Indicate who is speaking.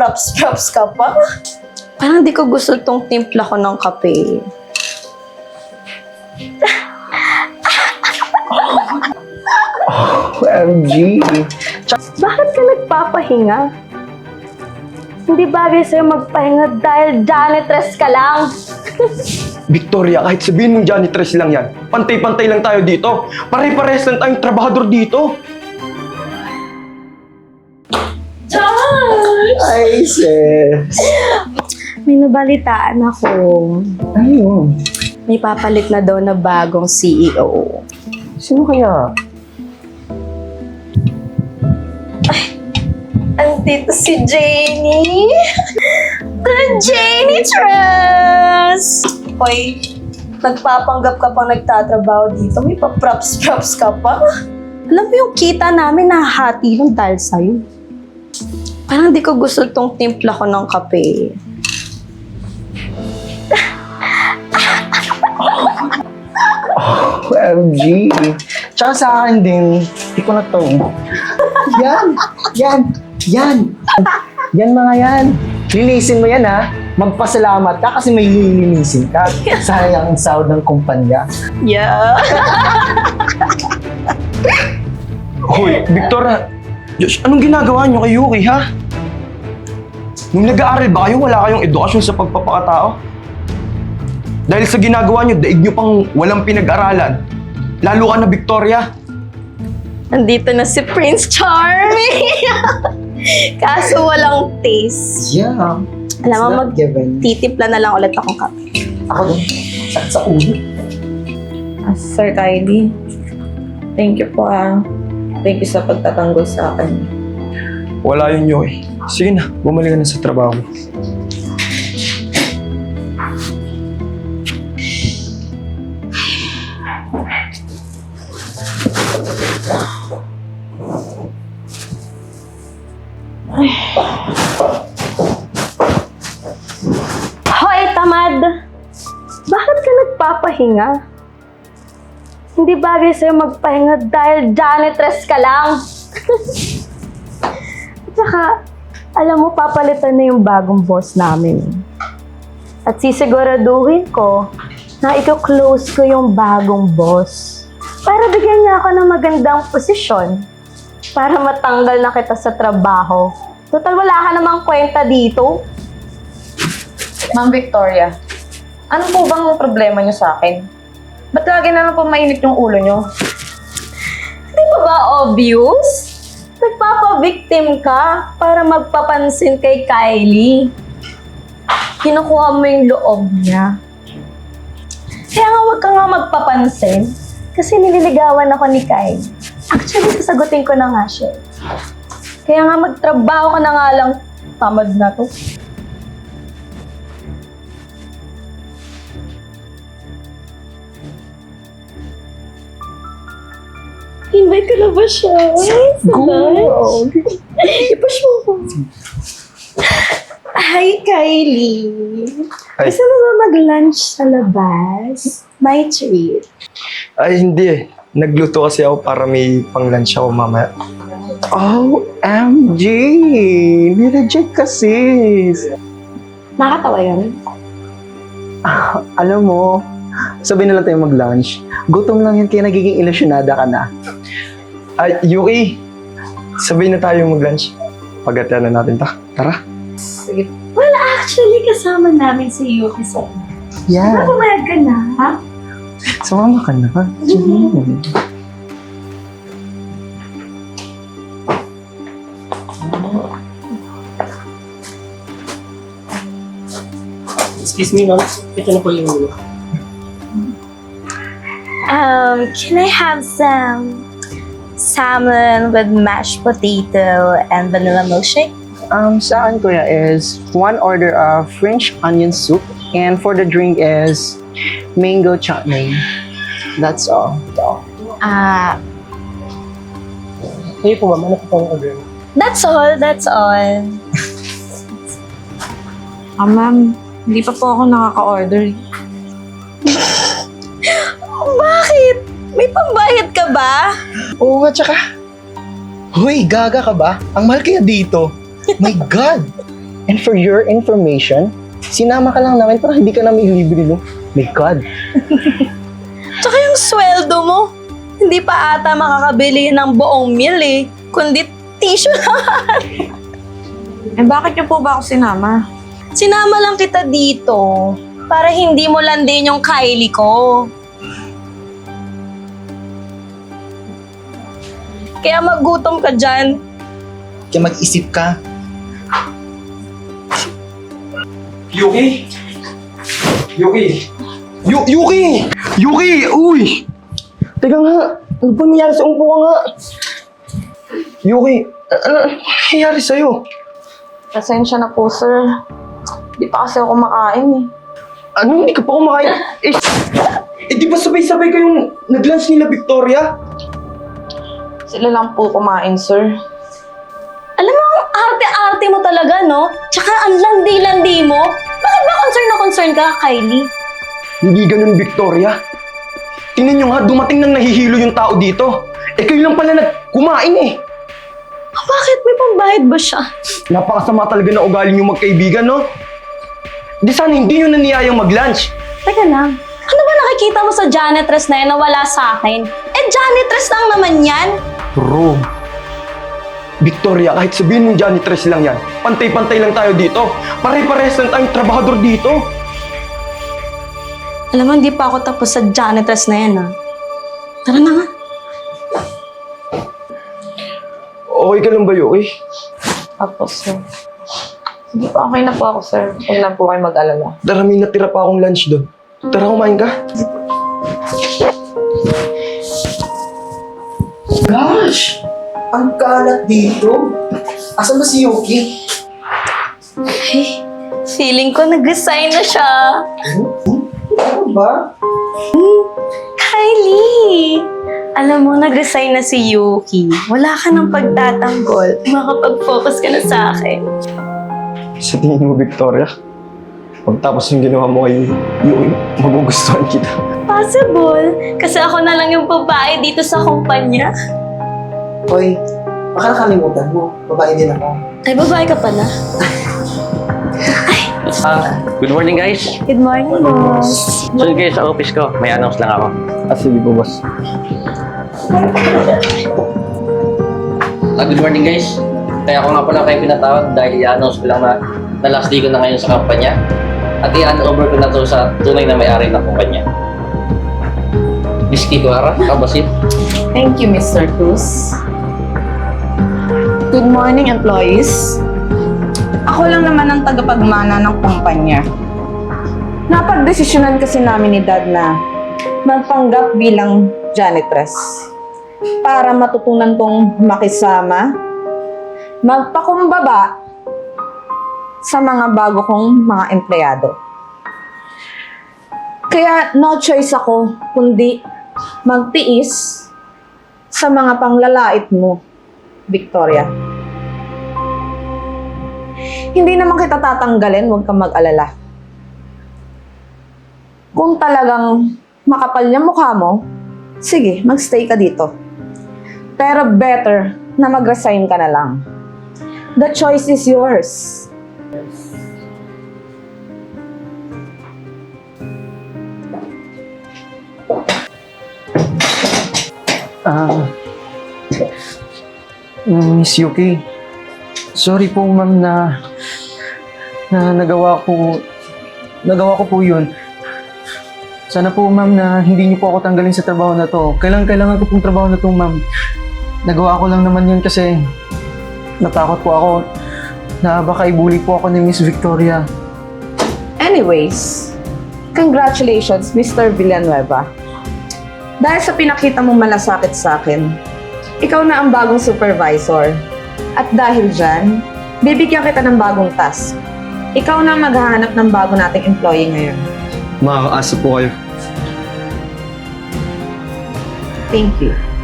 Speaker 1: props ka pa. Parang di ko gusto tong timpla ko ng kape.
Speaker 2: OMG.
Speaker 1: Bakit ka nagpapahinga? Hindi bagay sa'yo magpahinga dahil janitress ka lang.
Speaker 2: Victoria, kahit sabihin mong janitress lang yan, pantay-pantay lang tayo dito. Pare-pares lang tayong trabahador dito.
Speaker 1: Charles!
Speaker 2: Ay, sis.
Speaker 1: May nabalitaan ako.
Speaker 2: Ayun.
Speaker 1: May papalit na daw na bagong CEO.
Speaker 2: Sino kaya?
Speaker 1: Andito si Janie. The Janie Trust! Hoy, nagpapanggap ka pang nagtatrabaho dito. May pa-props ka pa. Alam mo yung kita namin nahahati nun dahil sa'yo. Parang di ko gusto tong timpla ko ng kape.
Speaker 2: OMG. Tsaka sa akin din, hindi ko na to. Yan mga yan. Linisin mo yan ha. Magpasalamat ka kasi may lilinisin ka. Sayang ang sahod ng kumpanya.
Speaker 1: Yeah.
Speaker 2: Hoy, Victoria, Diyos, anong ginagawa niyo kay Yuki, ha? Nung nag-aaral ba kayo, wala kayong edukasyon sa pagpapakatao? Dahil sa ginagawa niyo, daig niyo pang walang pinag-aralan. Lalo ka na, Victoria.
Speaker 1: Nandito na si Prince Charming. Kaso walang taste.
Speaker 2: Yeah.
Speaker 1: Alam mo,
Speaker 2: given.
Speaker 1: magtitimpla na lang ulit akong kape.
Speaker 2: Ako din. Sakit sa ulo.
Speaker 3: Sir Kylie, thank you po Thank you sa pagtatanggol sa akin.
Speaker 2: Wala yun, Yoy. Sige na, bumalik ka na sa trabaho.
Speaker 1: Hoy, tamad! Bakit ka nagpapahinga? Hindi bagay sa'yo magpahinga dahil janitress ka lang. At saka, alam mo, papalitan na yung bagong boss namin. At sisiguraduhin ko na i-close ko yung bagong boss. Para bigyan niya ako ng magandang posisyon. Para matanggal na kita sa trabaho. Total, wala ka namang kwenta dito.
Speaker 3: Ma'am Victoria, ano po bang problema niyo sa akin? Ba't lagi na lang po mainit yung ulo niyo?
Speaker 1: Di ba ba obvious? Nagpapabiktim ka para magpapansin kay Kylie. Kinukuha mo yung loob niya. Kaya nga huwag ka nga magpapansin kasi nililigawan ako ni Kylie. Actually, sasagutin ko na nga siya. Kaya nga magtrabaho ka na nga lang. Tamad na to. Invite ko na ba siya? Go! I-push mo ko. Hi, Kylie.
Speaker 2: Ay.
Speaker 1: Gusto mo ba mag-lunch sa labas? My treat.
Speaker 2: Ay, hindi eh. Nagluto kasi ako para may pang-lunch ako mamaya. OMG! Nireject ka, sis!
Speaker 1: Nakakatawa yun.
Speaker 4: Alam mo, sabihin na lang tayo mag-lunch. Gutom lang yan kaya nagiging ilusyonada ka na.
Speaker 2: Ay, Yuki! Sabihin na tayo mag-lunch. Pagatian na natin ta. Tara.
Speaker 3: Sige.
Speaker 1: Actually, kasama namin si Yuki sa
Speaker 4: Yeah.
Speaker 1: pumayag ka na, ha?
Speaker 4: Sumama ka na.
Speaker 5: Excuse me, ma'am. Ito na po yung ulo.
Speaker 1: Can I have some salmon with mashed potato and vanilla milkshake?
Speaker 4: Sa akin, kuya, is one order of French onion soup and for the drink is mango chutney. That's all.
Speaker 5: Kayo po, ma'am. Ano po pong order?
Speaker 1: That's all.
Speaker 3: Ma'am, hindi pa po ako nakaka-order.
Speaker 1: Bakit? May pambayad ka ba?
Speaker 4: Oo nga, tsaka. Hoy, gaga ka ba? Ang mahal kaya dito. My God! And for your information, sinama ka lang namin para hindi ka namin libre, no? My God.
Speaker 1: Tsaka yung sweldo mo, hindi pa ata makakabili ng buong meal eh, kundi tissue lang.
Speaker 3: Eh, bakit niyo po ba ako sinama?
Speaker 1: Sinama lang kita dito para hindi mo landin yung Kylie ko. Kaya magutom ka dyan.
Speaker 4: Kaya mag-isip ka.
Speaker 2: Yuki! Yuki! Yuki! Yuki! Uy! Teka nga, ano ba nangyari sa umpo ka nga? Yuki, ano nangyari sa'yo?
Speaker 3: Pasensya na po, sir. Di pa kasi ako kumakain eh.
Speaker 2: Ano, hindi ka pa kumakain? Di ba sabay-sabay kayong nag-lunch nila, Victoria?
Speaker 3: Sila lang po kumain, sir.
Speaker 1: Alam mo, ang arte-arte mo talaga, no? Tsaka ang landi-landi mo. Bakit ba concern ka, Kylie?
Speaker 2: Hindi ganun, Victoria. Tingnan nyo nga, dumating nang nahihilo yung tao dito. Eh kayo lang pala kumain eh.
Speaker 1: Bakit? May pambayad ba siya?
Speaker 2: Napakasama talaga na ugali nyo magkaibigan, no? Di sana hindi nyo naniyayang mag-lunch.
Speaker 1: Teka lang. Ano ba nakikita mo sa janitress na yan na wala sa akin? Eh, janitress lang naman yan.
Speaker 2: Bro. Victoria, kahit sabihin mong janitress lang yan, pantay-pantay lang tayo dito. Pare-parehas lang tayong trabahador dito.
Speaker 1: Alam mo, hindi pa ako tapos sa janitress na yan, ha? Tara na nga.
Speaker 2: Okay ka lang ba, Yuki?
Speaker 3: Tapos, sir. Sige po, okay na po ako, sir. Huwag lang po kayo mag-alala.
Speaker 2: Tara, may natira pa akong lunch doon. Tara, kumain ka.
Speaker 4: Gosh! Ang kalat dito. Asan ba si Yuki?
Speaker 1: Ay, feeling ko nag-resign na siya.
Speaker 4: Ano ba?
Speaker 1: Kylie! Alam mo, nag-resign na si Yuki. Wala ka ng pagtatanggol. Makapag-focus ka na sa akin.
Speaker 2: Sa tingin mo, Victoria, pagtapos yung ginawa mo kay Yuki, magugustuhan kita.
Speaker 1: Possible. Kasi ako na lang yung babae dito sa kumpanya.
Speaker 4: Hoy, baka nakalimutan mo. Babae din ako.
Speaker 1: Ay, babae ka pala.
Speaker 6: Good morning guys.
Speaker 1: Good morning, boss.
Speaker 6: So guys, sa office ko, may announce lang ako.
Speaker 2: Sige po, boss.
Speaker 6: Good morning guys. Kaya ako nga pala kayo pinatawag dahil i-announce ko lang na last day ko na ngayon sa kampanya. At i-hand over ko na to sa tunay na may-ari ng kumpanya. Miss Kikuara, kabasit.
Speaker 3: Thank you, Mr. Cruz. Good morning, employees. Ako lang naman ang tagapagmana ng kumpanya. Napagdesisyonan kasi namin ni Dad na magpanggap bilang janitress para matutunan kong makisama, magpakumbaba sa mga bago kong mga empleyado. Kaya no choice ako kundi magtiis sa mga panglalait mo, Victoria. Hindi naman kita tatanggalin, huwag kang mag-alala. Kung talagang makapal yung mukha mo, sige, magstay ka dito. Pero better na mag-resign ka na lang. The choice is yours.
Speaker 4: Miss Yuki, sorry po ma'am na nagawa ko po yun. Sana po ma'am na hindi niyo po ako tanggalin sa trabaho na to. Kailangan ko pong trabaho na to ma'am. Nagawa ko lang naman yun kasi natakot po ako na baka ibuli po ako ni Miss Victoria.
Speaker 3: Anyways, congratulations, Mr. Villanueva. Dahil sa pinakita mong malasakit sa akin, ikaw na ang bagong supervisor. At dahil dyan, bibigyan kita ng bagong task. Ikaw na maghahanap ng bago nating employee ngayon.
Speaker 2: Makakaasa po kayo.
Speaker 3: Thank you.